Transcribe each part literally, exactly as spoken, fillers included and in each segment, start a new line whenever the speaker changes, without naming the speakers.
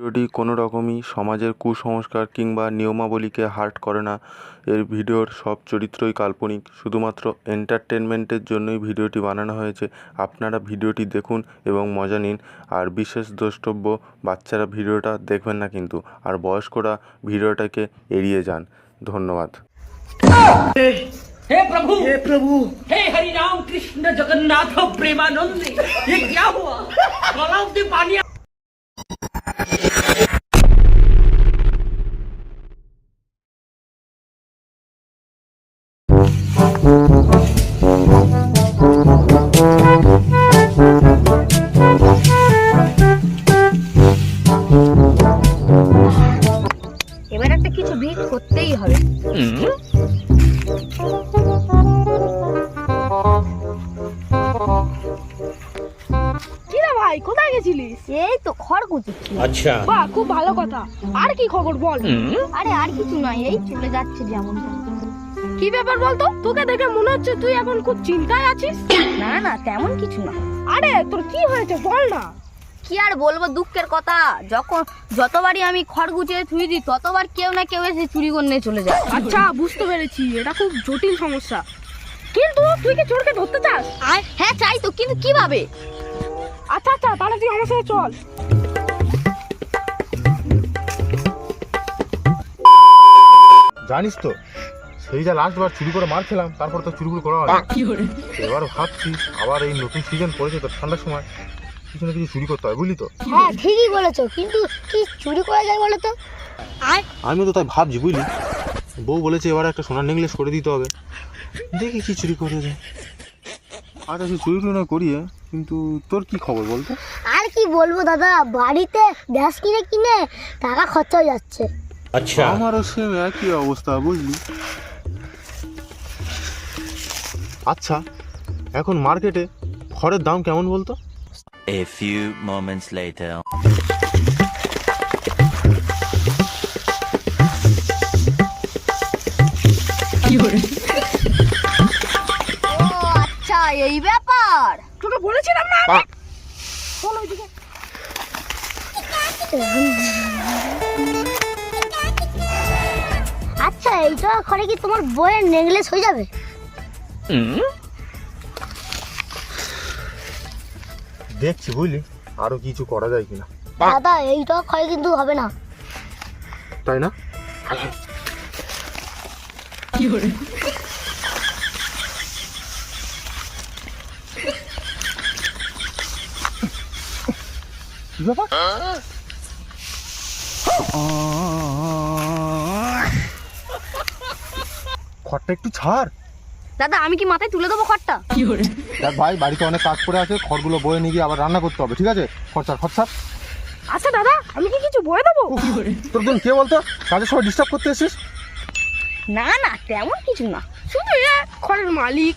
ভিডিওটি কোনো রকমই সমাজের কুসংস্কার কিংবা নিয়মাবলীকে হার্ট করে না। এর ভিডিওর সব চরিত্রই কাল্পনিক, শুধুমাত্র এন্টারটেনমেন্টের জন্যই ভিডিওটি বানানো হয়েছে। আপনারা ভিডিওটি দেখুন এবং মজা নিন। আর বিশেষ দ্রষ্টব্য, বাচ্চারা ভিডিওটা দেখবেন না কিন্তু, আর বয়স্করা ভিডিওটাকে এড়িয়ে যান। ধন্যবাদ।
हे प्रभु
हे प्रभु
हे हरि राम कृष्ण जगन्नाथ प्रेमानंद, ये क्या हुआ? गलाव से पानी
এবার একটা কিছু ভিড় করতেই হবে।
কি রে ভাই, কোথায় গেছিলিস?
এই তো খড় কুচুচ্ছি।
अच्छा
বাহ, খুব ভালো কথা। আর কি খবর বল?
আরে আর কিছু নয়, এই চলে যাচ্ছে যেমন।
কি ব্যাপার বলতো? তোকে দেখে মনে হচ্ছে তুই এখন খুব চিন্তায় আছিস।
না না, তেমন কিছু না।
আরে তোর কি হয়েছে বল না।
কি আর বলবো, দুঃখের কথা। যখন যতবারই আমি খড় গুছিয়ে থুই দিই, ততবার কেউ না কেউ এসে চুরি করে নিয়ে চলে যায়।
আচ্ছা, বুঝতে পেরেছি, এটা খুব জটিল সমস্যা। কিন্তু তুই কি চোরকে ধরতে চাস?
হ্যাঁ চাই তো, কিন্তু কিভাবে?
আচ্ছা আচ্ছা, তাহলে তুই আমার সাথে চল।
জানিস তো, সেই যা লাস্ট বার চুরি করে মার খেলাম, তারপর তো চুরি করা হয়। এবার ভাবছি আবার এই নতুন সিজন পড়েছে তো, ঠান্ডার সময় কিছু না কিছু চুরি করতে হয়, বুঝলি তো।
হ্যাঁ ঠিকই বলেছো, কিন্তু কি চুরি করা যায় বলো তো?
আমিও তো তাই ভাবছি, বুঝলি। বউ বলেছে এবার একটা সোনার নেকলেস করে দিতে হবে, দেখি কি চুরি করে যায়। আচ্ছা, সে চুরি টুরি না করিয়ে, কিন্তু তোর কি খবর বলতো?
আর কি বলবো দাদা, বাড়িতে গ্যাস কিনে কিনে টাকা খরচা হয়ে যাচ্ছে।
अच्छा
আমারও সেম একই অবস্থা, বুঝলি। আচ্ছা, এখন মার্কেটে খড়ের দাম কেমন বলতো?
A few moments later.
ও আচ্ছা, এই ব্যাপার।
তোকে বলেছিলাম না। চল ওইদিকে।
আচ্ছা, এইটা করে কি তোমার বইয়ের নেকলেস হয়ে যাবে?
দেখছি, বুঝলি, আরো কিছু করা যায় কিনা।
দাদা, এইটা করে কিন্তু হবে না।
তাই না? কি ব্যাপার? খড়টা একটু ছাড়।
দাদা, আমি কি মাথায় তুলে দেবো খড়টা?
দেখ ভাই, বাড়িতে অনেক কাজ পড়ে আছে, খড়গুলো বয়ে নিয়ে গিয়ে আবার রান্না করতে হবে, ঠিক আছে? খরচা খরচা।
আচ্ছা দাদা, আমি কি কিছু বয়ে দেবো?
তোর বোন কে বলতো কাজের সময় ডিস্টার্ব করতে এসেছিস?
না না, তেমন কিছু না।
শুধু এ খড়ের মালিক।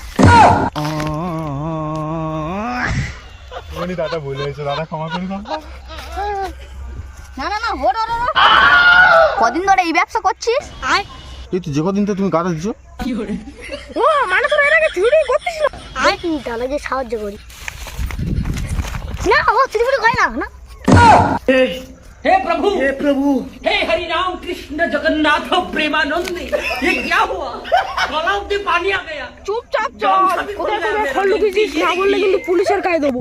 উনি দাদা বলে এসে, দাদা ক্ষমা করে দাও।
না না না, হো হো, হো। কদিন ধরে এই ব্যবসা করছিস?
এই তো যে কদিন তো তুমি গাদা দিচ্ছ।
ও মানে তোর এর আগে চুরি করতিস না?
দেখি তাহলে যে সাহায্য করি। না, ও চুরি ফুরি করে না না।
हे प्रभु
हे प्रभु
हे हरि राम कृष्ण जगन्नाथ प्रेमानंद, ये क्या हुआ? गलाव से पानी आ गया।
চুপচাপ চল। কোথায় কোথায় খড় লুকিয়েছিস না বললে কিন্তু পুলিশের গায়ে দেবো।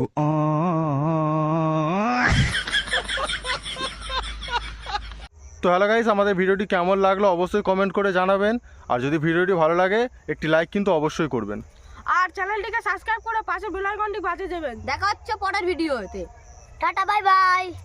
তো হ্যালো গাইস, আমাদের ভিডিওটি কেমন লাগলো অবশ্যই কমেন্ট করে জানাবেন। আর যদি ভিডিওটি ভালো লাগে, একটি লাইক কিন্তু অবশ্যই করবেন।
আর চ্যানেলটিকে সাবস্ক্রাইব করে পাশে বেল আইকনটি বাজিয়ে দেবেন।
দেখা হচ্ছে পরের ভিডিওতে।
Tata, bye by.